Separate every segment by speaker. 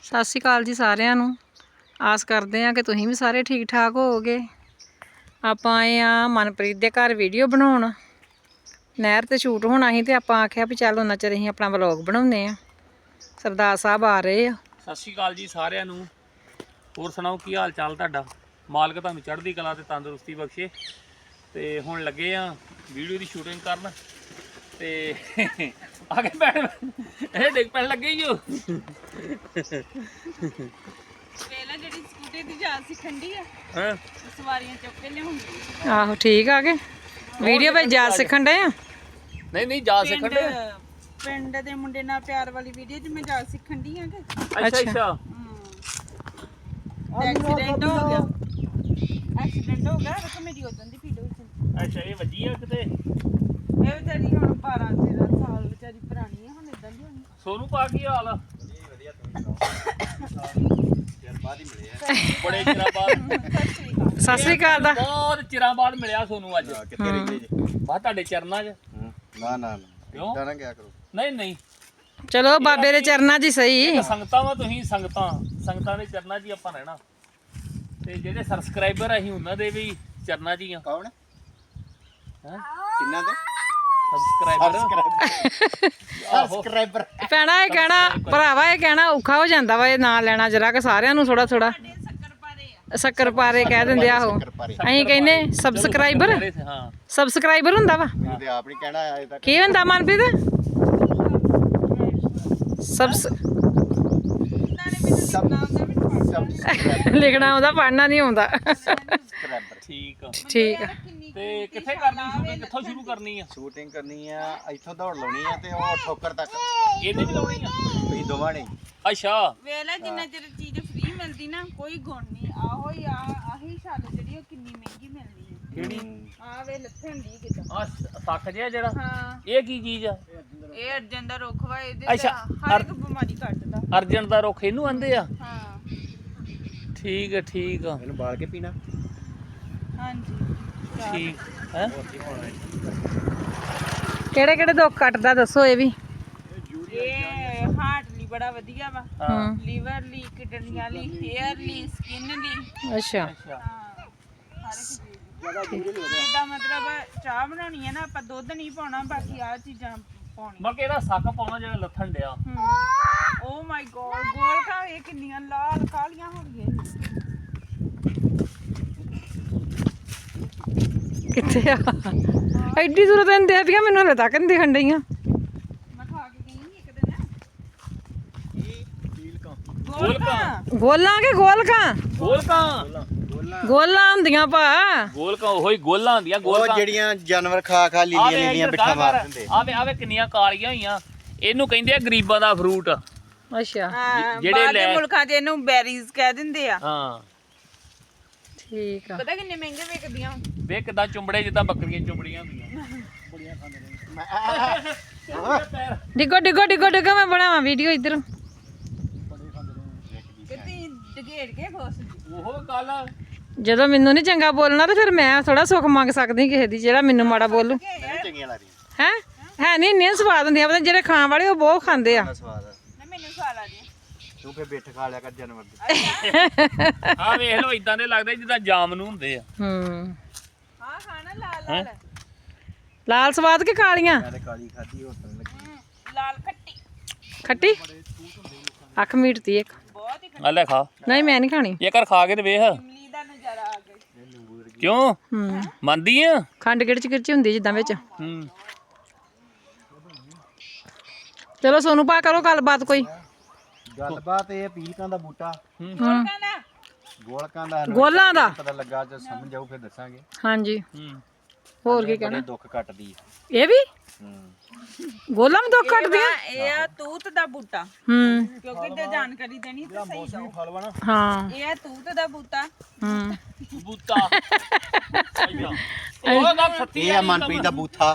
Speaker 1: ਸਤਿ ਸ਼੍ਰੀ ਅਕਾਲ ਜੀ ਸਾਰਿਆਂ ਨੂੰ। ਆਸ ਕਰਦੇ ਆ ਕਿ ਤੁਸੀਂ ਵੀ ਸਾਰੇ ਠੀਕ ਠਾਕ ਹੋਵੋਗੇ। ਆਪਾਂ ਆਏ ਆ ਮਨਪ੍ਰੀਤ ਦੇ ਘਰ ਵੀਡੀਓ ਬਣਾਉਣ। ਨਹਿਰ ਤੇ ਸ਼ੂਟ ਹੋਣਾ ਸੀ ਤੇ ਆਪਾਂ ਆਖਿਆ ਵੀ ਚੱਲ ਉਹਨਾਂ ਚਿਰ ਅਸੀਂ ਆਪਣਾ ਵਲੌਗ ਬਣਾਉਂਦੇ ਆ। ਸਰਦਾਰ ਸਾਹਿਬ ਆ ਰਹੇ ਆ।
Speaker 2: ਸਤਿ ਸ਼੍ਰੀ ਅਕਾਲ ਜੀ ਸਾਰਿਆਂ ਨੂੰ। ਹੋਰ ਸੁਣਾਓ ਕੀ ਹਾਲ ਚਾਲ ਤੁਹਾਡਾ? ਮਾਲਕ ਤੁਹਾਨੂੰ ਚੜ੍ਹਦੀ ਕਲਾ ਤੇ ਤੰਦਰੁਸਤੀ ਬਖਸ਼ੇ। ਤੇ ਹੁਣ ਲੱਗੇ ਆ ਵੀਡੀਓ ਦੀ ਸ਼ੂਟਿੰਗ ਕਰਨ ਤੇ ਆ ਕੇ ਬੈਠ ਇਹ ਡਿੱਗ ਪੈਣ ਲੱਗੇ ਹੀ ਹੋ।
Speaker 3: ਪਹਿਲਾਂ ਜਿਹੜੀ ਸਕੂਟੀ ਦੀ ਜਾਂਚ ਸਿੱਖਣ ਦੀ ਆ
Speaker 2: ਹਾਂ
Speaker 3: ਸਵਾਰੀਆਂ ਚੁੱਕ ਕੇ ਲਿਆਉਂਦੀ।
Speaker 1: ਆਹੋ ਠੀਕ ਆ ਗਏ ਵੀਡੀਓ ਵਿੱਚ ਜਾ ਸਿੱਖਣ ਡਏ ਆ।
Speaker 2: ਨਹੀਂ ਜਾ ਸਿੱਖਣ ਦੇ।
Speaker 3: ਪਿੰਡ ਦੇ ਮੁੰਡੇ ਨਾਲ ਪਿਆਰ ਵਾਲੀ ਵੀਡੀਓ 'ਚ ਮੈਂ ਜਾਂਚ ਸਿੱਖਣ ਦੀ ਆ ਕਿ
Speaker 2: ਅੱਛਾ
Speaker 3: ਐਕਸੀਡੈਂਟ ਹੋ ਗਿਆ। ਐਕਸੀਡੈਂਟ ਹੋ ਗਿਆ ਰਕਮ ਮੇਰੀ ਉਦੋਂ ਦੀ ਵੀਡੀਓ 'ਚ।
Speaker 2: ਅੱਛਾ ਇਹ ਵੱਜੀ ਆ ਕਿਤੇ?
Speaker 3: ਇਹ ਵਿਚਾਰੀ ਹੁਣ 12-13 ਸਾਲ ਵਿਚਾਰੀ ਪੁਰਾਣੀ ਆ ਹੁਣ ਇਦਾਂ ਦੀ ਹੋਣੀ।
Speaker 2: ਸੋਨੂੰ ਪਾ ਕੀ ਹਾਲ ਆ? ਬੜੇ ਚਿਰਾਂ ਬਾਅਦ
Speaker 1: ਸਤਿ ਸ਼੍ਰੀ ਅਕਾਲ ਦਾ
Speaker 2: ਬਹੁਤ ਚਿਰਾਂ ਬਾਅਦ ਮਿਲਿਆ ਸੋਨੂੰ ਅੱਜ।
Speaker 4: ਕਿੱਥੇ ਰਹਿੰਦੇ ਜੀ?
Speaker 2: ਬਾ ਤੁਹਾਡੇ ਚਰਨਾਂ 'ਚ।
Speaker 4: ਨਾ
Speaker 2: ਕਿਉਂ?
Speaker 4: ਇਦਾਂ ਨਾ ਕਿਆ ਕਰੋ।
Speaker 2: ਨਹੀਂ
Speaker 1: ਚਲੋ ਬਾਬੇ ਦੇ ਚਰਨਾਂ 'ਚ ਹੀ ਸਹੀ।
Speaker 2: ਸੰਗਤਾਂ ਵਾ ਤੁਸੀਂ ਸੰਗਤਾਂ ਦੇ ਚਰਨਾਂ 'ਚ ਹੀ ਆਪਾਂ ਰਹਿਣਾ। ਤੇ ਜਿਹੜੇ ਸਬਸਕ੍ਰਾਈਬਰ ਅਸੀਂ ਉਹਨਾਂ ਦੇ ਵੀ ਚਰਨਾਂ 'ਚ ਹੀ ਆ।
Speaker 4: ਕੌਣ?
Speaker 2: ਹੈਂ?
Speaker 4: ਕਿੰਨਾ ਦੇ?
Speaker 2: ਸਬਸਕ੍ਰਾਈਬਰ
Speaker 1: ਭੈਣਾ ਇਹ ਕਹਿਣਾ ਭਰਾਵਾ ਇਹ ਕਹਿਣਾ ਔਖਾ ਹੋ ਜਾਂਦਾ ਵਾ ਇਹ ਨਾਂ ਲੈਣਾ ਜਰਾ ਕਿ ਸਾਰਿਆਂ ਨੂੰ ਥੋੜਾ ਸ਼ੱਕਰ ਪਾਰੇ ਕਹਿ ਦਿੰਦੇ ਆਹੋ। ਅਸੀਂ ਕਹਿੰਦੇ ਸਬਸਕ੍ਰਾਈਬਰ।
Speaker 2: ਹਾਂ
Speaker 1: ਸਬਸਕ੍ਰਾਈਬਰ ਹੁੰਦਾ ਵਾ।
Speaker 4: ਮੈਨੂੰ ਤੇ ਆਪ ਨਹੀਂ ਕਹਿਣਾ ਆਇਆ ਤੱਕ।
Speaker 1: ਕੀ ਹੁੰਦਾ ਮਨਪ੍ਰੀਤ? ਲਿਖਣਾ ਆਉਂਦਾ ਪੜ੍ਹਨਾ ਨਹੀਂ ਆਉਂਦਾ।
Speaker 4: ਸਬਸਕ੍ਰਾਈਬਰ
Speaker 2: ਠੀਕ ਆ।
Speaker 1: ਠੀਕ ਆ।
Speaker 2: ਤੇ ਕਿੱਥੇ ਕਰਨੀ ਸ਼ੂਟਿੰਗ? ਕਿੱਥੋਂ ਸ਼ੁਰੂ ਕਰਨੀ ਆ?
Speaker 4: ਸ਼ੂਟਿੰਗ ਕਰਨੀ ਆ ਇੱਥੋਂ ਦੌੜ ਲਾਉਣੀ ਆ ਤੇ ਉਹ ਠੋਕਰ ਤੱਕ
Speaker 2: ਇਹਦੇ ਵੀ ਲਾਉਣੀ ਆ?
Speaker 4: ਤੁਸੀਂ ਦੋਵਾਂ ਨੇ।
Speaker 2: ਅੱਛਾ
Speaker 3: ਵੇਲਾ ਜਿੰਨਾ ਚਿਰ ਚੀਜ਼ ਫ੍ਰੀ ਮਿਲਦੀ ਨਾ ਕੋਈ ਗੁਣ ਨਹੀਂ। ਆਹੋ ਹੀ ਆਹੀ ਛੱਲ ਜਿਹੜੀ ਉਹ ਕਿੰਨੀ ਮਹਿੰਗੀ ਮਿਲਦੀ ਹੈ।
Speaker 2: ਕਿਹੜੀ?
Speaker 3: ਆ ਵੇ ਲੱਥਣ ਦੀ ਕਿਦਾਂ।
Speaker 2: ਆ ਸੱਖ ਜਿਹਾ ਜਿਹੜਾ
Speaker 3: ਹਾਂ
Speaker 2: ਇਹ ਕੀ ਚੀਜ਼ ਆ?
Speaker 3: ਇਹ ਅਰਜਨ ਦਾ ਰੁੱਖ ਵਾ। ਇਹਦੇ
Speaker 2: ਅੱਛਾ,
Speaker 3: ਹਰ ਇੱਕ ਬਿਮਾਰੀ ਕੱਟਦਾ।
Speaker 2: ਅਰਜਨ ਦਾ ਰੁੱਖ ਇਹਨੂੰ ਆਂਦੇ ਆ?
Speaker 3: ਹਾਂ
Speaker 2: ਠੀਕ ਆ ਠੀਕ ਆ
Speaker 4: ਇਹਨੂੰ ਬਾਲ ਕੇ ਪੀਣਾ।
Speaker 3: ਹਾਂਜੀ
Speaker 2: ਠੀਕ ਹੈ।
Speaker 1: ਕਿਹੜੇ ਕਿਹੜੇ ਦੁੱਖ ਕੱਟਦਾ ਦੱਸੋ ਇਹ ਵੀ।
Speaker 3: ਇਹ ਹਾਰਟ ਲਈ ਬੜਾ ਵਧੀਆ ਵਾ।
Speaker 2: ਹਾਂ
Speaker 3: ਲੀਵਰ ਲਈ, ਕਿਡਨੀਆਂ ਲਈ, ਹੇਅਰ ਲਈ, ਸਕਿਨ ਲਈ।
Speaker 1: ਅੱਛਾ
Speaker 2: ਅੱਛਾ
Speaker 3: ਹਾਂ ਹਰ ਇੱਕ ਚੀਜ਼ ਜਿੱਦਾਂ ਮਤਲਬ ਚਾਹ ਬਣਾਉਣੀ ਹੈ ਨਾ ਆਪਾਂ ਦੁੱਧ ਨਹੀਂ ਪਾਉਣਾ ਬਾਕੀ ਆਹ ਚੀਜ਼ਾਂ ਪਾਉਣੀਆਂ।
Speaker 2: ਮੈਂ ਕਿਹੜਾ ਸੱਕ ਪਾਉਣਾ ਜਿਹੜਾ ਲੱਥਣ ਡਿਆ।
Speaker 3: ਓ ਮਾਈ ਗੋਡ ਗੋਲਕਾਂ ਇਹ ਕਿੰਨੀਆਂ ਲਾਲ ਕਾਲੀਆਂ ਹੋ ਗਈਆਂ।
Speaker 1: ਕਿੱਥੇ ਆ? ਐਡੀ ਦੂਰ ਤੈਨੂੰ ਦੇ ਪਿਆ ਮੈਨੂੰ ਹਲੇ ਤੱਕ ਨਹੀਂ ਦਿਖਣ ਡਈਆਂ।
Speaker 3: ਮੈਂ ਖਾ ਕੇ ਗਈ ਸੀ ਇੱਕ ਦਿਨ।
Speaker 2: ਗੋਲਕਾਂ
Speaker 1: ਗੋਲਾਂ ਕਿ ਗੋਲਕਾਂ?
Speaker 2: ਗੋਲਕਾਂ
Speaker 1: ਗੋਲਾਂ ਹੁੰਦੀਆਂ ਭਾ।
Speaker 2: ਗੋਲਕਾਂ ਉਹੀ ਗੋਲਾਂ ਹੁੰਦੀਆਂ।
Speaker 4: ਉਹ
Speaker 2: ਗੋਲਕਾਂ
Speaker 4: ਜਿਹੜੀਆਂ ਜਾਨਵਰ ਖਾ ਲੀਆਂ ਲੀਆਂ ਬਿੱਠਾ ਮਾਰ ਦਿੰਦੇ।
Speaker 2: ਆਵੇ ਕਿੰਨੀਆਂ ਕਾਲੀਆਂ ਹੋਈਆਂ। ਇਹਨੂੰ ਕਹਿੰਦੇ ਆ ਗਰੀਬਾਂ ਦਾ ਫਰੂਟ।
Speaker 1: ਅੱਛਾ
Speaker 2: ਜਿਹੜੇ
Speaker 3: ਬਾਹਰ ਦੇ
Speaker 2: ਲੈ-
Speaker 3: ਮੁਲਕਾਂ 'ਚ ਇਹਨੂੰ ਬੈਰੀਜ਼ ਕਹਿ ਦਿੰਦੇ ਆ।
Speaker 2: ਹਾਂ
Speaker 1: ਠੀਕ ਆ।
Speaker 3: ਪਤਾ ਕਿੰਨੇ ਮਹਿੰਗੇ ਵਿਕਦੀਆਂ।
Speaker 2: ਵੇ ਕਿਦਾਂ ਚੁੰਬੜੇ ਜਿੱਦਾਂ ਬੱਕਰੀਆਂ ਚੁੰਬੜੀਆਂ ਹੁੰਦੀਆਂ।
Speaker 1: ਡਿੱਗੋ ਡਿੱਗੋ ਡਿੱਗੋ ਡਿੱਗੋ ਮੈਂ ਬਣਾਵਾਂ ਵੀਡੀਓ ਇੱਧਰ।
Speaker 3: ਕਿਤੇ ਡਗੇੜ ਕੇ ਖੋਸ
Speaker 2: ਉਹ ਗੱਲ ਆ।
Speaker 1: ਜਦੋਂ ਮੈਨੂੰ ਨਹੀਂ ਚੰਗਾ ਬੋਲਣਾ ਤੇ ਫਿਰ ਮੈਂ ਥੋੜਾ ਸੁੱਖ ਮੰਗ ਸਕਦੀ ਕਿਸੇ ਦੀ ਜਿਹੜਾ ਮੈਨੂੰ ਮਾੜਾ ਬੋਲੂ।
Speaker 4: ਚੰਗੀਆਂ ਲੱਗਦੀਆਂ।
Speaker 1: ਹੈ ਨਹੀਂ ਇੰਨੀਆਂ ਸਵਾਦ ਹੁੰਦੀਆਂ ਪਤਾ ਜਿਹੜੇ ਖਾਣ ਵਾਲੇ ਉਹ ਬਹੁਤ ਖਾਂਦੇ ਆ।
Speaker 4: ਬੜਾ ਸਵਾਦ ਆ।
Speaker 3: ਨਾ ਮੈਨੂੰ ਸਵਾਲ ਆ ਗਿਆ।
Speaker 4: ਤੂੰ ਫੇ ਬਿੱਠ ਖਾ ਲਿਆ ਕਰ ਜਾਨਵਰ ਦੇ।
Speaker 2: ਹਾਂ ਵੇਖ ਲਓ ਇਦਾਂ ਦੇ ਲੱਗਦੇ ਜਿੱਦਾਂ ਜਾਮਨੂੰ ਹੁੰਦੇ ਆ।
Speaker 1: ਹੂੰ
Speaker 3: ਹਾਂ ਖਾਣਾ ਲਾਲ ਲਾਲ।
Speaker 1: ਲਾਲ ਸਵਾਦ ਕਿ ਕਾਲੀਆਂ?
Speaker 4: ਮੈਂ ਤੇ ਕਾਲੀ ਖਾਧੀ ਹੋਰ ਤਾਂ ਲੱਗੀ।
Speaker 3: ਲਾਲ ਖੱਟੀ
Speaker 1: ਖੱਟੀ ਅੱਖ ਮੀਟਦੀ ਇੱਕ।
Speaker 3: ਬਹੁਤ ਹੀ
Speaker 2: ਆ ਲੈ ਖਾ।
Speaker 1: ਨਹੀਂ ਮੈਂ ਨਹੀਂ ਖਾਣੀ।
Speaker 2: ਇਹ ਕਰ ਖਾ ਕੇ ਤੇ ਵੇਖ।
Speaker 3: ਇਮਲੀ ਦਾ ਨਜ਼ਾਰਾ ਆ ਗਿਆ।
Speaker 2: ਕਿਉਂ
Speaker 1: ਹੂੰ
Speaker 2: ਮੰਨਦੀ ਆ?
Speaker 1: ਖੰਡ ਗਿੜਚ ਗਿੜਚ ਹੁੰਦੀ ਜਿੱਦਾਂ ਵਿੱਚ।
Speaker 2: ਹੂੰ
Speaker 1: ਚਲੋ ਸੋਨੂੰ ਪਾ ਕਰੋ ਗੱਲਬਾਤ ਕੋਈ।
Speaker 4: ਗੱਲਬਾਤ ਇਹ ਪੀਲਕਾਂ ਦਾ ਬੂਟਾ
Speaker 3: ਕਹਿੰਦਾ
Speaker 4: ਗੋਲਕਾਂ ਦਾ
Speaker 1: ਗੋਲਾਂ ਦਾ
Speaker 4: ਪਤਾ ਲੱਗਾ ਜੇ ਸਮਝ ਆਊ ਫਿਰ ਦੱਸਾਂਗੇ।
Speaker 1: ਹਾਂਜੀ
Speaker 2: ਹੂੰ
Speaker 1: ਹੋਰ ਕੀ
Speaker 4: ਬੜੇ
Speaker 1: ਕਹਿਣਾ?
Speaker 4: ਦੁੱਖ ਕੱਟਦੀ।
Speaker 1: ਇਹ ਵੀ
Speaker 4: ਹੂੰ
Speaker 1: ਗੋਲਾਂ ਵੀ ਦੁੱਖ ਕੱਟਦੀਆਂ?
Speaker 3: ਇਹ ਆ ਤੂਤ ਦਾ ਬੂਟਾ
Speaker 1: ਹੂੰ
Speaker 3: ਕਿਉਂਕਿ ਤੇ ਜਾਣਕਾਰੀ ਦੇਣੀ ਤੇ ਸਹੀ ਦੋ।
Speaker 4: ਫਲ ਵਾ ਨਾ।
Speaker 1: ਹਾਂ
Speaker 3: ਇਹ ਆ ਤੂਤ ਦਾ ਬੂਟਾ।
Speaker 1: ਹੂੰ
Speaker 2: ਬੂਤਾ ਉਹ ਗੱਲ ਸੱਚੀ
Speaker 4: ਇਹ ਆ ਮਨਪ੍ਰੀਤ ਦਾ ਬੂਥਾ।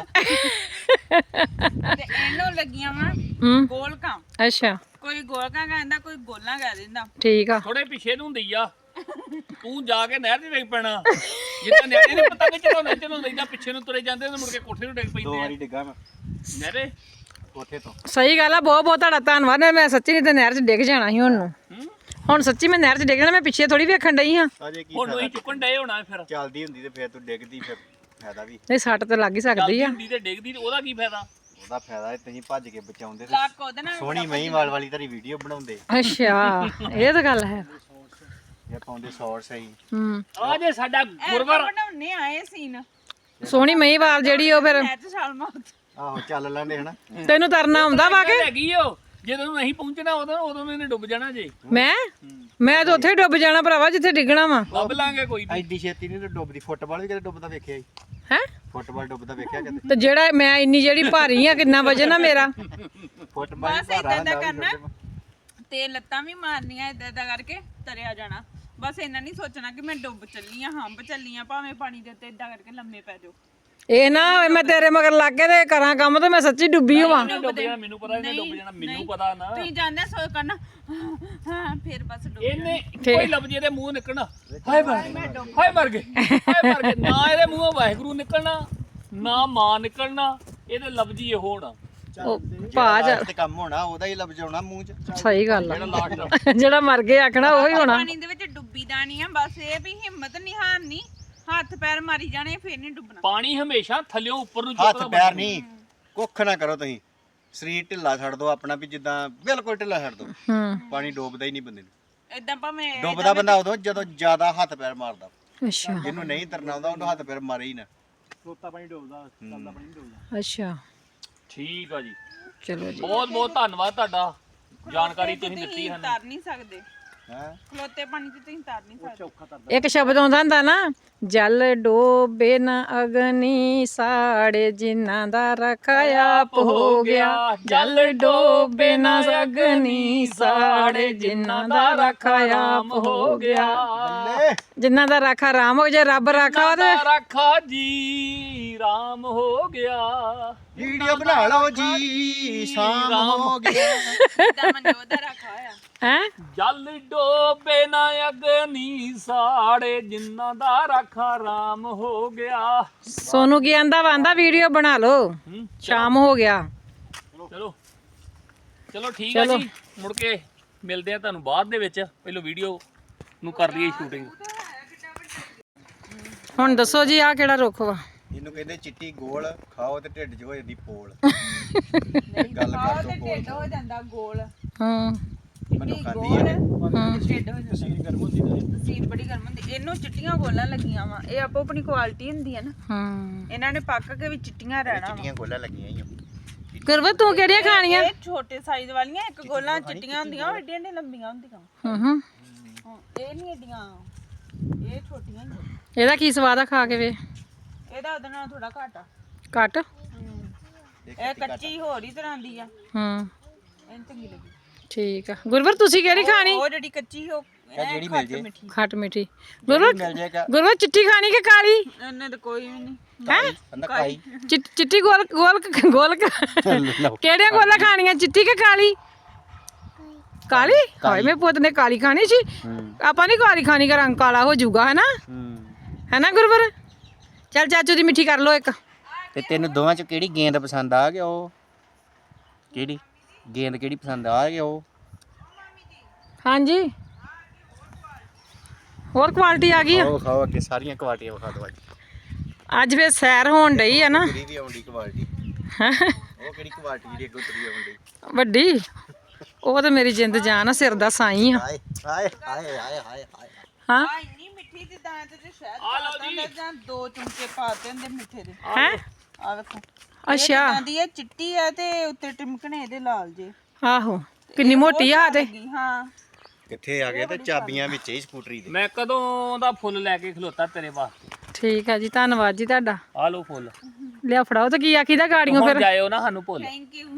Speaker 3: ਤੇ ਇਹਨੂੰ ਲੱਗੀਆਂ ਵਾ
Speaker 1: ਹੂੰ
Speaker 3: ਗੋਲਕਾਂ।
Speaker 1: ਅੱਛਾ
Speaker 3: ਕੋਈ ਗੋਲਕਾਂ ਕਹਿੰਦਾ ਕੋਈ ਗੋਲਾਂ ਕਹਿ ਦਿੰਦਾ।
Speaker 1: ਠੀਕ ਆ।
Speaker 2: ਥੋੜੇ ਪਿੱਛੇ ਨੂੰ ਹੁੰਦੀ ਆ। ਤੂੰ ਜਾ ਕੇ ਨਹਿਰ 'ਚ ਡਿੱਗ ਪੈਣਾ ਜਿੱਦਾਂ ਨਿਆਣੇ ਨੇ ਪਤੰਗ ਚੜਾਉਂਦੇ ਇਦਾਂ ਪਿੱਛੇ ਨੂੰ ਤੁਰੇ ਜਾਂਦੇ ਤੇ ਮੁੜ ਕੇ ਕੋਠੇ ਨੂੰ ਡਿੱਗ
Speaker 4: ਦੋ
Speaker 2: ਪੈਂਦੇ ਆ
Speaker 4: ਵਾਰੀ ਡਿੱਗਾ ਮੈਂ
Speaker 2: ਨਹਿਰੇ।
Speaker 4: ਕੋਠੇ ਤੋਂ।
Speaker 1: ਸਹੀ ਗੱਲ ਆ ਬਹੁਤ ਬਹੁਤ ਤੁਹਾਡਾ ਧੰਨਵਾਦ। ਮੈਂ ਸੱਚੀ ਨਹੀਂ ਤੇ ਨਹਿਰ 'ਚ ਡਿੱਗ ਜਾਣਾ ਸੀ ਹੁਣ ਨੂੰ। ਹੁਣ ਸੱਚੀ ਮੈਂ ਨਹਿਰ 'ਚ ਡਿੱਗਣਾ, ਮੈਂ ਪਿੱਛੇ ਥੋੜੀ ਵੇਖਣ ਡਈ ਹਾਂ।
Speaker 4: ਅਜੇ ਕੀ
Speaker 2: ਹੁਣ ਤੁਸੀਂ ਚੁੱਕਣ ਡਏ ਹੋਣਾ ਫਿਰ।
Speaker 4: ਚੱਲਦੀ ਹੁੰਦੀ ਤੇ ਫਿਰ ਤੂੰ ਡਿੱਗਦੀ, ਫਿਰ ਫਾਇਦਾ ਵੀ।
Speaker 1: ਨਹੀਂ ਸੱਟ ਤੇ ਲੱਗ ਹੀ ਸਕਦੀ
Speaker 2: ਚੱਲਦੀ
Speaker 1: ਆ।
Speaker 2: ਹੁੰਦੀ ਤੇ ਡਿੱਗਦੀ ਤੇ ਉਹਦਾ ਕੀ ਫਾਇਦਾ?
Speaker 4: ਉਹਦਾ ਫਾਇਦਾ ਹੈ ਤੁਸੀਂ ਭੱਜ ਕੇ ਬਚਾਉਂਦੇ ਤੇ
Speaker 3: ਲੱਕ ਉਹਦੇ ਨਾਲ
Speaker 4: ਸੋਹਣੀ ਮਹੀਂਵਾਲ ਵਾਲੀ ਤੇਰੀ ਵੀਡੀਓ ਬਣਾਉਂਦੇ,
Speaker 1: ਅੱਛਾ ਇਹ ਤਾਂ ਗੱਲ ਹੈ।
Speaker 4: ਇਹ ਪਾਉਂਦੇ ਸ਼ਾਰਟਸ ਹੀ।
Speaker 1: ਹੂੰ
Speaker 2: ਆ ਜੇ ਸਾਡਾ ਗੁਰਵਰ
Speaker 3: ਬਣਾਉਣੇ ਆਏ ਸੀਨ
Speaker 1: ਸੋਹਣੀ ਮਹੀਂਵਾਲ ਜਿਹੜੀ ਉਹ ਫਿਰ
Speaker 3: ਨੈਟ ਛਾਲ ਮਾਰ
Speaker 4: ਆਹੋ ਚੱਲ ਲੈਂਦੇ ਹਨਾ।
Speaker 1: ਤੈਨੂੰ ਤਰਨਾ ਆਉਂਦਾ ਵਾ ਕੇ?
Speaker 2: ਹੈਗੀ ਓ, ਜਦੋਂ ਨਹੀਂ ਪਹੁੰਚਣਾ ਉਦੋਂ ਇਹਨੇ ਡੁੱਬ ਜਾਣਾ ਜੇ।
Speaker 1: ਮੈਂ ਤਾਂ ਉੱਥੇ ਹੀ ਡੁੱਬ ਜਾਣਾ ਭਰਾਵਾ ਜਿੱਥੇ ਡਿੱਗਣਾ ਵਾ।
Speaker 2: ਲੱਭ ਲਾਂਗੇ ਕੋਈ ਨਹੀਂ।
Speaker 4: ਐਡੀ ਛੇਤੀ ਨਹੀਂ ਡੁੱਬਦੀ। ਫੁੱਟਬਾਲ ਵੀ ਕਦੇ ਡੁੱਬਦਾ ਵੇਖਿਆ ਹੀ?
Speaker 1: ਹੈ
Speaker 4: ਫੁੱਟਬਾਲ ਡੁੱਬਦਾ ਵੇਖਿਆ ਕਦੇ?
Speaker 1: ਤੇ ਜਿਹੜਾ ਮੈਂ ਇੰਨੀ ਜਿਹੜੀ ਭਾਰੀ ਆ, ਕਿੰਨਾ ਵਜਨ ਆ ਮੇਰਾ?
Speaker 4: ਫੁੱਟਬਾਲ
Speaker 3: ਬਸ ਏਦਾਂ ਦਾ ਕਰਨਾ ਤੇ ਲੱਤਾਂ ਵੀ ਮਾਰਨੀਆਂ ਏਦਾਂ ਕਰਕੇ ਤਰਿਆ ਜਾਣਾ। ਬਸ ਇਹਨਾਂ ਨਹੀਂ ਸੋਚਣਾ ਕਿ ਮੈਂ ਡੁੱਬ ਚੱਲੀ ਆ, ਹੰਬ ਚੱਲੀ ਆ, ਭਾਵੇਂ ਪਾਣੀ ਦੇ ਉੱਤੇ ਏਦਾਂ ਕਰਕੇ ਲੰਮੇ ਪੈ ਜਾਓ।
Speaker 1: ਇਹ ਨਾ ਹੋਵੇ ਮੈਂ ਤੇਰੇ ਮਗਰ ਲੱਗ ਕੇ ਤੇ ਕਰਾਂ ਕੰਮ ਤੇ ਮੈਂ ਸੱਚੀ ਡੁੱਬੀ ਹੋਵਾਂ।
Speaker 2: ਡੁੱਬ ਜਾਣਾ ਮੈਨੂੰ ਪਤਾ, ਇਹਨੇ ਡੁੱਬ ਜਾਣਾ ਮੈਨੂੰ ਪਤਾ ਨਾ।
Speaker 3: ਤੁਸੀਂ ਜਾਣਦੇ ਸੋਚ ਕਰਨਾ ਹਾਂ ਫਿਰ ਬਸ ਡੁੱਬ
Speaker 2: ਇਹਨੇ ਕੋਈ ਲੱਭ ਜੇ ਤੇ ਮੂੰਹ ਨਿਕਲਣਾ, ਹਾਏ ਮਰ ਗਏ, ਹਾਏ ਮਰ ਗਏ, ਹਾਏ ਮਰ ਗਏ। ਨਾ ਇਹਦੇ ਮੂੰਹੋਂ ਵਾਹਿਗੁਰੂ ਨਿਕਲਣਾ, ਨਾ ਮਾਂ ਨਿਕਲਣਾ, ਇਹਦੇ ਲਫ਼ਜ਼ੀ ਇਹ ਹੋਣਾ।
Speaker 1: ਉਹ ਭਾ ਜਾ
Speaker 4: ਤੇ ਕੰਮ ਹੋਣਾ ਉਹਦਾ ਹੀ ਲੱਭ ਜਾਣਾ ਮੂੰਹ 'ਚ।
Speaker 1: ਸਹੀ ਗੱਲ ਆ।
Speaker 2: ਲਾਸਟ
Speaker 1: ਜਿਹੜਾ ਮਰ ਗਿਆ ਆਖਣਾ ਉਹੀ ਹੋਣਾ।
Speaker 3: ਪਾਣੀ ਦੇ ਵਿੱਚ ਡੁੱਬੀ ਦਾ ਨਹੀਂ ਆ, ਬਸ ਇਹ ਵੀ ਹਿੰਮਤ ਨਹੀਂ ਹਾਰਨੀ, ਹੱਥ ਪੈਰ ਮਾਰੀ ਜਾਣੇ ਫਿਰ ਨਹੀਂ ਡੁੱਬਣਾ।
Speaker 2: ਪਾਣੀ ਹਮੇਸ਼ਾ ਥੱਲਿਓਂ ਉੱਪਰ ਨੂੰ
Speaker 4: ਹੱਥ
Speaker 2: ਚੁੱਕਦਾ।
Speaker 4: ਪੈਰ ਨਹੀਂ, ਕੁੱਖ ਨਾ ਕਰੋ ਤੁਸੀਂ। ਸਰੀਰ ਢਿੱਲਾ ਛੱਡ ਦੋ ਆਪਣਾ, ਵੀ ਜਿੱਦਾਂ ਬਿਲਕੁਲ ਢਿੱਲਾ ਛੱਡ ਦੋ।
Speaker 1: ਹੂੰ
Speaker 4: ਪਾਣੀ ਡੋਬਦਾ ਹੀ ਨਹੀਂ ਬੰਦੇ ਨੂੰ।
Speaker 3: ਏਦਾਂ ਭਾਵੇਂ
Speaker 4: ਡੁੱਬਦਾ ਬੰਦਾ ਉਦੋਂ ਜਦੋਂ ਜ਼ਿਆਦਾ ਹੱਥ ਪੈਰ ਮਾਰਦਾ।
Speaker 1: ਅੱਛਾ
Speaker 4: ਜਿਹਨੂੰ ਨਹੀਂ ਤਰਨਾ ਆਉਂਦਾ ਉਹਨੂੰ ਹੱਥ ਪੈਰ ਮਾਰੇ ਹੀ ਨਾ।
Speaker 1: ਅੱਛਾ
Speaker 2: ਠੀਕ ਆ ਜੀ,
Speaker 1: ਚਲੋ ਜੀ।
Speaker 2: ਬਹੁਤ ਬਹੁਤ ਧੰਨਵਾਦ ਤੁਹਾਡਾ, ਜਾਣਕਾਰੀ ਤੁਸੀਂ ਦਿੱਤੀ ਸਾਨੂੰ।
Speaker 3: ਤਰ ਨਹੀਂ ਸਕਦੇ,
Speaker 4: ਹੈ
Speaker 3: ਖਲੋਤੇ ਪਾਣੀ 'ਚ ਤੁਸੀਂ ਤਰ ਨਹੀਂ ਸਕਦੇ।
Speaker 1: ਇੱਕ ਸ਼ਬਦ ਆਉਂਦਾ ਹੁੰਦਾ ਨਾ, ਜਲ ਡੋਬੇ ਨਾ ਅਗਨੀ ਸਾੜੇ, ਜਿਨ੍ਹਾਂ ਦਾ ਰੱਖਾ ਆਪ ਹੋ ਗਿਆ। ਜਲ ਡੋਬੇ ਨਾ ਅਗਨੀ ਸਾੜੇ, ਜਿਨ੍ਹਾਂ ਦਾ ਰੱਖਾ ਆਪ ਹੋ ਗਿਆ। ਜਿਨ੍ਹਾਂ ਦਾ ਰਾਖਾ ਰਾਮ ਹੋ, ਜੇ ਰੱਬ ਰਾਖਾ ਤੇ
Speaker 2: ਰਾਖਾ ਜੀ ਰਾਮ ਹੋ ਗਿਆ।
Speaker 4: ਵੀਡੀਓ ਬਣਾ ਲਓ ਜੀ, ਸ਼ਾਮ ਹੋ ਗਈ।
Speaker 3: ਏਦਾਂ ਮਨਜੋਤ ਦਾ ਰੱਖਾ ਹੋਇਆ।
Speaker 1: ਹੈ
Speaker 2: ਜਲ ਡੋਬੇ ਨਾ ਅਗਨੀ ਸਾੜੇ, ਜਿਨ੍ਹਾਂ ਦਾ ਰਾਖਾ ਰਾਮ ਹੋ ਗਿਆ।
Speaker 1: ਸੋਨੂੰ ਕੀ ਆਂਦਾ ਵਾਂਦਾ ਵੀਡੀਓ ਬਣਾ ਲਓ, ਸ਼ਾਮ ਹੋ ਗਿਆ।
Speaker 2: ਚਲੋ ਚਲੋ ਠੀਕ ਆ ਜੀ, ਮੁੜ ਕੇ ਮਿਲਦੇ ਆ ਤੁਹਾਨੂੰ ਬਾਅਦ ਦੇ ਵਿੱਚ। ਪਹਿਲਾਂ ਵੀਡੀਓ ਨੂੰ ਕਰ ਲਈਏ ਸ਼ੂਟਿੰਗ।
Speaker 1: ਹੁਣ ਦੱਸੋ ਜੀ ਆਹ ਕਿਹੜਾ ਰੁੱਖ ਵਾ?
Speaker 4: ਇਹਨੂੰ ਕਹਿੰਦੇ ਚਿੱਟੀ ਗੋਲ, ਖਾਓ ਤੇ ਢਿੱਡ 'ਚ ਹੋ ਜਾਂਦੀ ਪੋਲ।
Speaker 3: ਨਹੀਂ
Speaker 4: ਗੱਲ
Speaker 3: ਖਾਓ
Speaker 4: ਕਰ
Speaker 3: ਤੇ
Speaker 4: ਦੋ
Speaker 3: ਢਿੱਡ ਹੋ ਜਾਂਦਾ ਗੋਲ।
Speaker 1: ਹੂੰ
Speaker 4: ਮੈਨੂੰ
Speaker 3: ਚਿੱਟੀ
Speaker 4: ਖਾਂਦੀ
Speaker 3: ਗੋਲ
Speaker 4: ਹੈ।
Speaker 3: ਢਿੱਡ ਹੋ ਜਾਂਦਾ। ਤਸੀਰ ਬੜੀ ਗਰਮ ਹੁੰਦੀ। ਇਹਨੂੰ ਚਿੱਟੀਆਂ ਗੋਲਾਂ ਲੱਗੀਆਂ ਵਾ, ਇਹ ਆਪੋ ਆਪਣੀ ਕੁਆਲਿਟੀ ਹੁੰਦੀ ਹੈ ਨਾ।
Speaker 1: ਹੂੰ
Speaker 3: ਇਹਨਾਂ ਨੇ ਪੱਕ ਕੇ ਵੀ ਚਿੱਟੀਆਂ ਰਹਿਣਾ ਵਾ।
Speaker 4: ਚਿੱਟੀਆਂ ਗੋਲਾਂ ਲੱਗੀਆਂ ਹੀ ਆ।
Speaker 1: ਗੁਰਵਰ ਤੂੰ ਕਿਹੜੀਆਂ ਖਾਣੀਆਂ?
Speaker 3: ਇਹ ਛੋਟੇ ਸਾਈਜ਼ ਵਾਲੀਆਂ, ਇੱਕ ਗੋਲਾਂ ਚਿੱਟੀਆਂ ਹੁੰਦੀਆਂ, ਉਹ ਏਡੀਆਂ ਏਡੀਆਂ ਲੰਬੀਆਂ ਹੁੰਦੀਆਂ।
Speaker 1: ਹੂੰ ਹੂੰ
Speaker 3: ਇਹ ਨਹੀਂ ਏਡੀਆਂ, ਇਹ ਛੋਟੀਆਂ ਹੀ ਆ।
Speaker 1: ਇਹਦਾ ਕੀ ਸਵਾਦ ਆ ਖਾ ਕੇ ਵੇ?
Speaker 3: ਇਹਦਾ ਉਹਦੇ ਨਾਲ ਥੋੜਾ ਘੱਟ ਆ।
Speaker 1: ਘੱਟ।
Speaker 3: ਇਹ ਕੱਚੀ ਹੋਰ ਹੀ ਤਰ੍ਹਾਂ ਦੀ ਆ,
Speaker 1: ਹੂੰ
Speaker 3: ਇਹ ਚੰਗੀ ਲੱਗੀ।
Speaker 1: ਠੀਕ ਆ। ਗੁਰਵਰ ਤੁਸੀਂ ਕਿਹੜੀ ਖਾਣੀ?
Speaker 3: ਉਹ ਜਿਹੜੀ ਕੱਚੀ ਉਹ
Speaker 4: ਜਿਹੜੀ ਮਿਲ ਜੇ।
Speaker 3: ਮਿੱਠੀ।
Speaker 1: ਖੱਟ ਮਿੱਠੀ। ਗੁਰਵਰ
Speaker 4: ਮਿਲ ਜਾਏਗਾ
Speaker 1: ਗੁਰਵਰ ਚਿੱਟੀ ਖਾਣੀ ਕਿ ਕਾਲੀ?
Speaker 3: ਇਹਨੇ ਤਾਂ ਕੋਈ ਵੀ ਨਹੀਂ।
Speaker 1: ਹੈ
Speaker 4: ਬੰਦਾ ਕਾਈ।
Speaker 1: ਚਿੱਟੀ ਗੋਲ ਗੋਲ ਗੋਲ ਕਿਹੜੀਆਂ ਗੋਲਾਂ ਖਾਣੀਆਂ, ਚਿੱਟੀ ਕਿ ਕਾਲੀ? ਕਾਲੀ? ਹਾਏ ਮੇਰੇ ਪੁੱਤ ਨੇ ਕਾਲੀ ਖਾਣੀ ਸੀ। ਆਪਾਂ ਨਹੀਂ ਕਾਲੀ ਖਾਣੀ, ਕਿ ਰੰਗ ਕਾਲਾ ਹੋ ਜਾਊਗਾ, ਹੈਨਾ? ਹੈਨਾ ਗੁਰਵਰ? ਚੱਲ ਚਾਚੂ ਦੀ ਮਿੱਠੀ ਕਰ ਲੋ ਇੱਕ।
Speaker 4: ਤੇ ਤੈਨੂੰ ਦੋਵਾਂ 'ਚ ਕਿਹੜੀ ਗੇਂਦ ਪਸੰਦ ਆ ਗਿਆ? ਉਹ ਕਿਹੜੀ ਗੇਂਦ ਕਿਹੜੀ ਪਸੰਦ ਆ ਗਿਆ? ਉਹ
Speaker 1: ਹਾਂਜੀ ਹੋਰ ਕੁਆਲਿਟੀ ਆ ਗਈ ਆ।
Speaker 4: ਉਹ ਖਾਓ ਅੱਗੇ ਸਾਰੀਆਂ ਕੁਆਲਟੀਆਂ ਵਿਖਾ ਦਿਓ।
Speaker 1: ਅੱਜ ਫੇਰ ਸੈਰ ਹੋਣ ਡਈ ਆ ਨਾ।
Speaker 4: ਤੇਰੀ ਵੀ ਆਉਂਦੀ ਕੁਆਲਟੀ। ਉਹ ਕਿਹੜੀ ਕੁਆਲਟੀ ਜਿਹੜੀ ਅੱਗੋਂ ਤੇਰੀ ਆਉਂਦੀ?
Speaker 1: ਵੱਡੀ ਉਹ ਤਾਂ ਮੇਰੀ ਜਿੰਦ ਜਾਨ ਆ, ਸਿਰ ਦਾ ਸਾਈ ਆ।
Speaker 4: ਹਾਏ ਹਾਏ ਹਾਏ ਹਾਏ ਹਾਏ ਹਾਏ।
Speaker 1: ਹਾਂ
Speaker 3: ਆ ਇੰਨੀ ਮਿੱਠੀ ਜਿੱਦਾਂ ਤੇ ਸ਼ਹਿਦ ਪਾਤਾ ਹੁੰਦਾ ਜਾਂ 2 ਚਮਚੇ ਪਾਤੇ ਹੁੰਦੇ ਮਿੱਠੇ ਦੇ।
Speaker 1: ਹੈ
Speaker 3: ਆ ਵੇਖੋ
Speaker 1: ਅੱਛਾ
Speaker 3: ਦੀ ਇਹ ਚਿੱਟੀ ਆ ਤੇ ਉੱਤੇ ਟਿਮਕਣੇ ਇਹਦੇ ਲਾਲ ਜੇ।
Speaker 1: ਆਹੋ ਕਿੰਨੀ ਮੋਟੀ ਆ ਤੇ।
Speaker 3: ਹਾਂ
Speaker 4: ਕਿੱਥੇ ਆ ਗਏ ਤੇ ਚਾਬੀਆਂ ਵਿੱਚ ਹੀ ਸਕੂਟਰੀ ਦੇ।
Speaker 2: ਮੈਂ ਕਦੋਂ ਦਾ ਫੁੱਲ ਲੈ ਕੇ ਖਲੋਤਾ ਤੇਰੇ ਵਾਸਤੇ।
Speaker 1: ਠੀਕ ਆ ਜੀ, ਧੰਨਵਾਦ ਜੀ ਤੁਹਾਡਾ।
Speaker 2: ਆ ਲਓ ਫੁੱਲ।
Speaker 1: ਲਿਆ ਫੜਾਓ ਤੇ ਕੀ ਆਖੀਦਾ ਗਾੜੀਆਂ
Speaker 2: ਹੁਣ
Speaker 1: ਫਿਰ?
Speaker 2: ਜਾਇਓ ਨਾ ਸਾਨੂੰ ਭੁੱਲ।
Speaker 3: Thank you.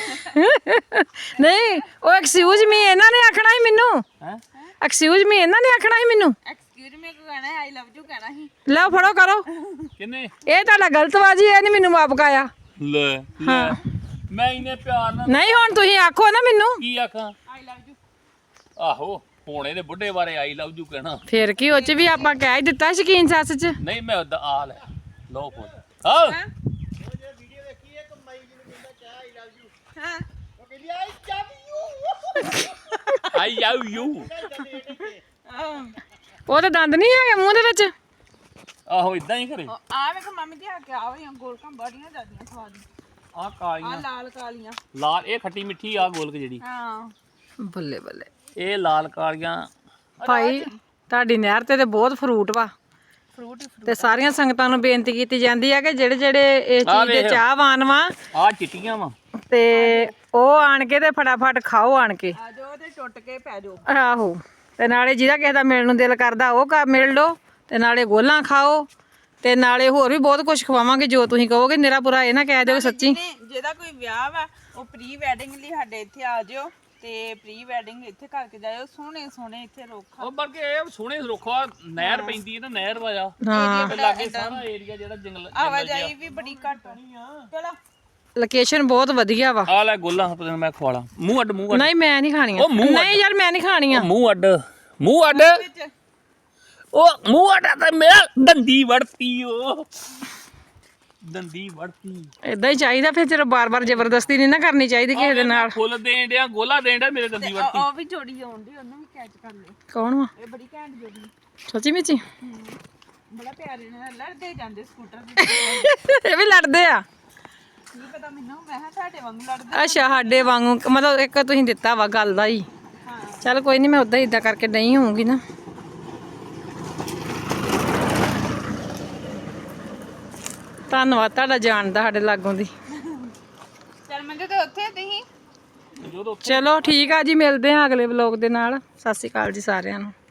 Speaker 1: ਨਹੀਂ ਉਹ ਐਕਸਕਿਊਜ਼ ਮੀ ਇਹਨਾਂ ਨੇ ਆਖਣਾ ਸੀ ਮੈਨੂੰ।
Speaker 2: ਹੈ
Speaker 1: ਐਕਸਕਿਊਜ਼ ਮੀ ਇਹਨਾਂ ਨੇ ਆਖਣਾ ਸੀ ਮੈਨੂੰ।
Speaker 3: ਐਕਸਕਿਊਜ਼ ਮੀ ਕੋ ਕਹਿਣਾ ਆਈ ਲਵ ਯੂ ਕਹਿਣਾ ਸੀ।
Speaker 1: ਲਓ ਫੜੋ ਕਰੋ।
Speaker 2: ਕਿੰਨੇ?
Speaker 1: ਇਹ ਤੁਹਾਡਾ ਗਲਤਬਾਜੀ, ਇਹ ਨਹੀਂ ਮੈਨੂੰ ਮਾਪ ਕਾਇਆ।
Speaker 2: ਲੈ ਮੈਂ ਇਹਨੇ ਪਿਆਰ ਨਾਲ
Speaker 1: ਨਹੀਂ ਹੁਣ ਤੁਸੀਂ ਆਖੋ ਨਾ ਮੈਨੂੰ।
Speaker 2: ਕੀ ਆਖਾਂ?
Speaker 3: I love you.
Speaker 2: ਆਹੋ ਹੁਣ ਇਹਦੇ ਬੁੱਢੇ ਬਾਰੇ ਆਈ ਲਵ ਯੂ ਕਹਿਣਾ।
Speaker 1: ਫਿਰ ਕੀ ਉਹ ਚ ਵੀ ਆਪਾਂ ਕਹਿ ਹੀ ਦਿੱਤਾ ਸ਼ਕੀਨ ਸੱਸ ਚ।
Speaker 2: ਨਹੀਂ ਮੈਂ ਉਦਾਂ ਆ ਲੈ ਲਓ ਫੁੱਲ। ਹਾਂ
Speaker 3: ਹਾਂ
Speaker 2: ਆਈ ਲਵ ਯੂ।
Speaker 1: ਉਹ ਤਾਂ ਦੰਦ ਨਹੀਂ ਹੈਗੇ ਮੂੰਹ ਦੇ ਵਿੱਚ।
Speaker 2: ਆਹੋ ਇਦਾਂ ਹੀ ਕਰੇ।
Speaker 3: ਆ ਵੇਖ ਮੰਮੀ ਦੀ ਆ ਕੇ ਆ ਹੋਈਆਂ ਗੋਲਕਾਂ ਬੜੀਆਂ ਜ਼ਿਆਦੀਆਂ ਸਵਾਦ।
Speaker 2: ਆ
Speaker 3: ਆ
Speaker 2: ਕਾਲੀਆਂ
Speaker 3: ਲਾਲ ਕਾਲੀਆਂ।
Speaker 2: ਲਾਲ, ਇਹ ਖੱਟੀ ਮਿੱਠੀ ਆ ਗੋਲਕ ਜਿਹੜੀ।
Speaker 3: ਹਾਂ
Speaker 1: ਬੱਲੇ ਬੱਲੇ
Speaker 2: ਇਹ ਲਾਲ ਕਾਲੀਆਂ।
Speaker 1: ਭਾਈ ਤੁਹਾਡੀ ਨਹਿਰ ਤੇ ਬਹੁਤ ਫਰੂਟ ਵਾ
Speaker 3: ਫਰੂਟ ਹੀ
Speaker 1: ਤੇ ਸਾਰੀਆਂ ਸੰਗਤਾਂ ਨੂੰ ਬੇਨਤੀ ਕੀਤੀ ਜਾਂਦੀ ਆ ਕਿ ਜਿਹੜੇ ਜਿਹੜੇ ਇਸ ਚੀਜ਼ ਦੇ ਚਾਹਵਾਨ ਵਾ
Speaker 2: ਆ ਚਿੱਟੀਆਂ ਵਾ।
Speaker 1: ਤੇ ਉਹ ਆਣ ਕੇ ਤੇ ਫਟਾਫਟ ਖਾਓ ਆਣ ਕੇ।
Speaker 3: ਆ ਜਾਓ ਤੇ ਟੁੱਟ ਕੇ ਪੈ ਜਾਓ।
Speaker 1: ਆਹੋ ਤੇ ਨਾਲੇ ਜਿਹਦਾ ਕਿਸੇ ਦਾ ਮਿਲਣ ਨੂੰ ਦਿਲ ਕਰਦਾ ਉਹ ਮਿਲ ਲਓ ਤੇ ਨਾਲੇ ਗੋਲਾਂ ਖਾਓ ਤੇ ਨਾਲੇ ਹੋਰ ਵੀ ਬਹੁਤ ਕੁਝ ਖਵਾਵਾਂਗੇ ਜੋ ਤੁਸੀਂ ਕਹੋਗੇ। ਨਿਰਾ ਪੂਰਾ ਇਹ ਨਾ ਕਹਿ ਦਿਓ ਸੱਚੀ।
Speaker 3: ਜਿਹਦਾ ਕੋਈ ਵਿਆਹ ਵਾ ਉਹ ਪ੍ਰੀ ਵੈਡਿੰਗ ਲਈ ਸਾਡੇ ਇੱਥੇ ਆ ਜਿਓ ਤੇ ਪ੍ਰੀ ਵੈਡਿੰਗ ਇੱਥੇ ਕਰਕੇ ਜਾਇਓ। ਸੋਹਣੇ ਸੋਹਣੇ ਇੱਥੇ ਰੁੱਖ ਆ।
Speaker 2: ਉਹ ਬਲਕਿ ਇਹ ਸੋਹਣੇ ਰੁੱਖਾ ਨਹਿਰ ਪੈਂਦੀ ਹੈ ਨਾ, ਨਹਿਰ ਵਾਜਾ
Speaker 1: ਹਾਂ
Speaker 2: ਤੇ ਲਾਗੇ ਸਾਰਾ ਏਰੀਆ ਜਿਹੜਾ ਜੰਗਲ
Speaker 3: ਆਵਾਜਾਈ ਵੀ ਬੜੀ ਘੱਟ ਆ। ਚਲੋ
Speaker 1: ਲੋਕੇਸ਼ਨ ਬਹੁਤ ਵਧੀਆ ਵਾ।
Speaker 2: ਆ ਲੈ ਗੋਲਾਂ ਪਤਾ ਮੈਂ ਖਵਾਲਾ। ਮੂੰਹ ਅੱਡ, ਮੂੰਹ ਅੱਡ,
Speaker 1: ਨਹੀਂ ਮੈਂ ਨਹੀਂ ਖਾਣੀਆਂ।
Speaker 2: ਉਹ ਮੂੰਹ
Speaker 1: ਨਹੀਂ ਯਾਰ ਮੈਂ ਨਹੀਂ ਖਾਣੀਆਂ।
Speaker 2: ਮੂੰਹ ਅੱਡ, ਮੂੰਹ ਅੱਡ।
Speaker 3: ਵਿੱਚ
Speaker 2: ਉਹ ਮੂੰਹ ਅੱਡ ਤੇ ਮੇਰਾ ਦੰਦੀ ਵੜਤੀ। ਉਹ ਦੰਦੀ ਵੜਤੀ।
Speaker 1: ਇਦਾਂ ਹੀ ਚਾਹੀਦਾ ਫਿਰ। ਚਲੋ ਬਾਰ-ਬਾਰ ਜ਼ਬਰਦਸਤੀ ਨਹੀਂ ਨਾ ਕਰਨੀ ਚਾਹੀਦੀ ਕਿਸੇ ਦੇ ਨਾਲ।
Speaker 2: ਫੁੱਲ ਦੇਣ ਡਿਆ, ਗੋਲਾ ਦੇਣ ਡਿਆ, ਮੇਰੇ ਦੰਦੀ ਵੜਤੀ।
Speaker 3: ਉਹ ਵੀ ਜੋੜੀ ਆਉਂਦੀ ਉਹਨੂੰ ਵੀ ਕੈਚ ਕਰ ਲਿਓ।
Speaker 1: ਕੌਣ ਵਾ?
Speaker 3: ਇਹ ਬੜੀ ਘੈਂਟ ਜੋੜੀ।
Speaker 1: ਸੱਚੀ ਮੁੱਚੀ
Speaker 3: ਬੜਾ ਪਿਆਰੇ ਨਾਲ ਲੜਦੇ ਜਾਂਦੇ ਸਕੂਟਰ ਤੇ।
Speaker 1: ਇਹ ਵੀ ਲੜਦੇ ਆ।
Speaker 3: ਕੀ ਪਤਾ ਮੈਨੂੰ, ਮੈਂ ਕਿਹਾ ਸਾਡੇ ਵਾਂਗ ਲੜਦੇ।
Speaker 1: ਅੱਛਾ ਸਾਡੇ ਵਾਂਗੂ ਮਤਲਬ ਇੱਕ ਤੁਸੀਂ ਦਿੱਤਾ ਵਾ ਗੱਲ ਦਾ ਹੀ।
Speaker 3: ਹਾਂ
Speaker 1: ਚੱਲ ਕੋਈ ਨਹੀਂ, ਮੈਂ ਉਦਾਂ ਹੀ ਇਦਾਂ ਕਰਕੇ ਨਹੀਂ ਹੋਊਂਗੀ ਨਾ। ਧੰਨਵਾਦ ਤੁਹਾਡਾ ਜਾਣ ਦਾ ਸਾਡੇ ਲਾਗੋਂ ਦੀ।
Speaker 3: ਚੱਲ ਮੈਂ ਤੇ ਉੱਥੇ ਤੁਸੀਂ
Speaker 2: ਜਦੋਂ
Speaker 1: ਚਲੋ ਠੀਕ ਆ ਜੀ, ਮਿਲਦੇ ਆ ਅਗਲੇ ਵਲੋਗ ਦੇ ਨਾਲ। ਸਤਿ ਸ਼੍ਰੀ ਅਕਾਲ ਜੀ ਸਾਰਿਆਂ ਨੂੰ।